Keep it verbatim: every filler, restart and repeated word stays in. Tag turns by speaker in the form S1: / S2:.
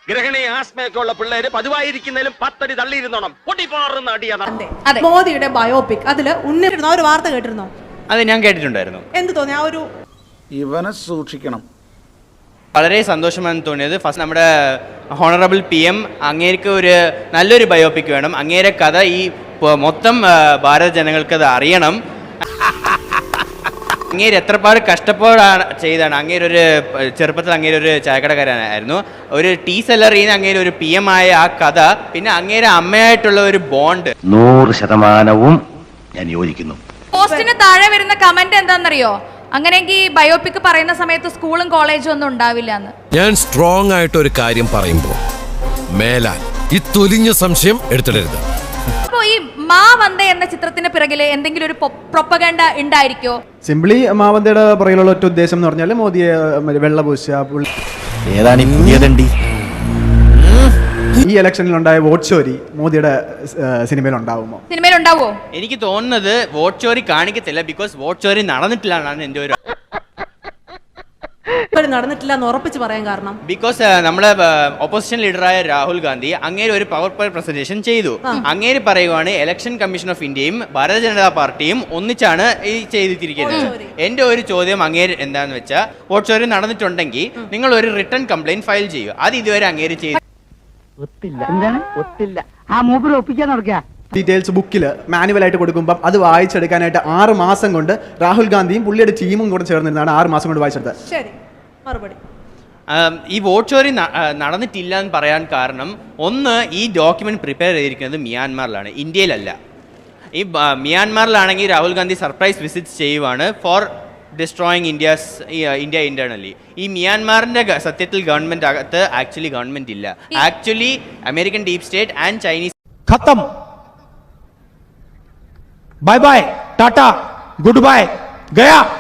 S1: ഗ്രഹണി ആസ്മയൊക്കെ ഉള്ള പിള്ളേര് പതിവായിരിക്കുന്നതിലും പത്തടി തള്ളിയിരുന്നോണം പൊട്ടിപ്പാറുന്ന അടിയാണ്.
S2: മോദിയുടെ ബയോപിക് അതില് ഉന്നിരുന്ന ഒരു വാർത്ത കേട്ടിരുന്നോ?
S3: അത് ഞാൻ കേട്ടിട്ടുണ്ടായിരുന്നു.
S2: എന്ത് തോന്നി? ആ ഒരു
S4: ഇവനെ സൂക്ഷിക്കണം.
S3: വളരെ സന്തോഷമാണ് തോന്നിയത്. ഫസ്റ്റ് നമ്മുടെ ഹോണറബിൾ പി എം അങ്ങേർക്ക് ഒരു നല്ലൊരു ബയോപിക് വേണം. അങ്ങേരെ കഥ ഈ മൊത്തം ഭാരത ജനങ്ങൾക്ക് അത് അറിയണം. അങ്ങേര് എത്രപാട് കഷ്ടപ്പാടാണ് ചെയ്താണ്. അങ്ങേരൊരു ചെറുപ്പത്തിൽ അങ്ങേരൊരു ചായക്കടക്കാരനായിരുന്നു. ഒരു ടീ സെല്ലറിൽ നിന്ന് അങ്ങേര് ഒരു പി എം ആയ ആ കഥ, പിന്നെ അങ്ങേരെ അമ്മയായിട്ടുള്ള ഒരു ബോണ്ട്
S5: നൂറ് ശതമാനവും ഞാൻ യോജിക്കുന്നു.
S6: പോസ്റ്റിന് താഴെ വരുന്ന കമന്റ് എന്താണെന്നറിയോ? അങ്ങനെയെങ്കിൽ ബയോപിക് പറയുന്ന സമയത്ത് സ്കൂളും കോളേജും ഒന്നും ഉണ്ടാവില്ല എന്ന്.
S7: ഞാൻ സ്ട്രോങ് ആയിട്ട് ഒരു കാര്യം പറയുമ്പോൾ മേലാൽ ഈ തൊലിഞ്ഞ സംശയം എടുത്തിടരുത്.
S6: അപ്പോ ഈ മാ വന്ദ എന്ന ചിത്രത്തിന് പിറകില് എന്തെങ്കിലും ഒരു പ്രൊപ്പഗണ്ട ഉണ്ടായിരിക്കോ?
S8: സിംപ്ലി മാവന്തയുടെ പുറകിലുള്ള ഒറ്റ ഉദ്ദേശം എന്ന് പറഞ്ഞാൽ മോദിയെ വെള്ളപൂശ.
S5: ഏതാണ് ഈ പുതിയതണ്ടി?
S8: ഈ ഇലക്ഷനിൽ ഉണ്ടായ വോട്ട് ചോരി മോദിയുടെ സിനിമയിൽ ഉണ്ടാവുമോ?
S6: സിനിമയിൽ ഉണ്ടാവോ?
S3: എനിക്ക് തോന്നുന്നത് വോട്ട് ചോരി കാണിക്കത്തില്ല. ബിക്കോസ് വോട്ട് ചോരി നടന്നിട്ടില്ല എന്നാണ് എൻ്റെ ഒരു
S2: നടന്നിട്ടില്ല എന്ന് ഉറപ്പിച്ച് പറയാൻ കാരണം
S3: ബിക്കോസ് നമ്മളെ ഓപ്പോസിഷൻ ലീഡറായ രാഹുൽ ഗാന്ധി അങ്ങേര് ഒരു പവർ പോയിന്റ് പ്രസന്റേഷൻ ചെയ്തു. അങ്ങേര് പറയുവാണ് ഇലക്ഷൻ കമ്മീഷൻ ഓഫ് ഇന്ത്യയും ഭാരതീയ ജനതാ പാർട്ടിയും ഒന്നിച്ചാണ് ഈ ചെയ്തിരിക്കുന്നത്. എന്റെ ഒരു ചോദ്യം അങ്ങേര് എന്താന്ന് വെച്ചാൽ, വോട്ട് ചോരി നടന്നിട്ടുണ്ടെങ്കിൽ നിങ്ങൾ ഒരു റിട്ടേൺ കംപ്ലൈന്റ് ഫയൽ ചെയ്യുക. അത് ഇതുവരെ അങ്ങേര് ചെയ്തു.
S8: ഡീറ്റെയിൽസ് ബുക്കിൽ മാനുവലായിട്ട് കൊടുക്കുമ്പോൾ അത് വായിച്ചെടുക്കാനായിട്ട് ആറ് മാസം കൊണ്ട് രാഹുൽ ഗാന്ധിയും പുള്ളിയുടെ ടീമും കൂടെ ചേർന്നിരുന്നാണ് ആറ് മാസം കൊണ്ട് വായിച്ചെടുത്തത്.
S2: ശരി, മറുപടി.
S3: ഈ വോട്ട് ചോരി നടന്നിട്ടില്ല എന്ന് പറയാൻ കാരണം, ഒന്ന്, ഈ ഡോക്യുമെന്റ് പ്രിപ്പയർ ചെയ്തിരിക്കുന്നത് മ്യാൻമാറിലാണ്, ഇന്ത്യയിലല്ല. ഈ മ്യാൻമാറിലാണെങ്കിൽ രാഹുൽ ഗാന്ധി സർപ്രൈസ് വിസിറ്റ് ചെയ്യുവാണ് for destroying India's India internally. ഈ മ്യാൻമാറിന്റെ സത്യത്തിൽ ഗവൺമെന്റ് അകത്ത് ആക്ച്വലി ഗവൺമെന്റ് ഇല്ല. Actually American deep state and Chinese.
S9: खत्म, bye bye, tata, good bye, गया.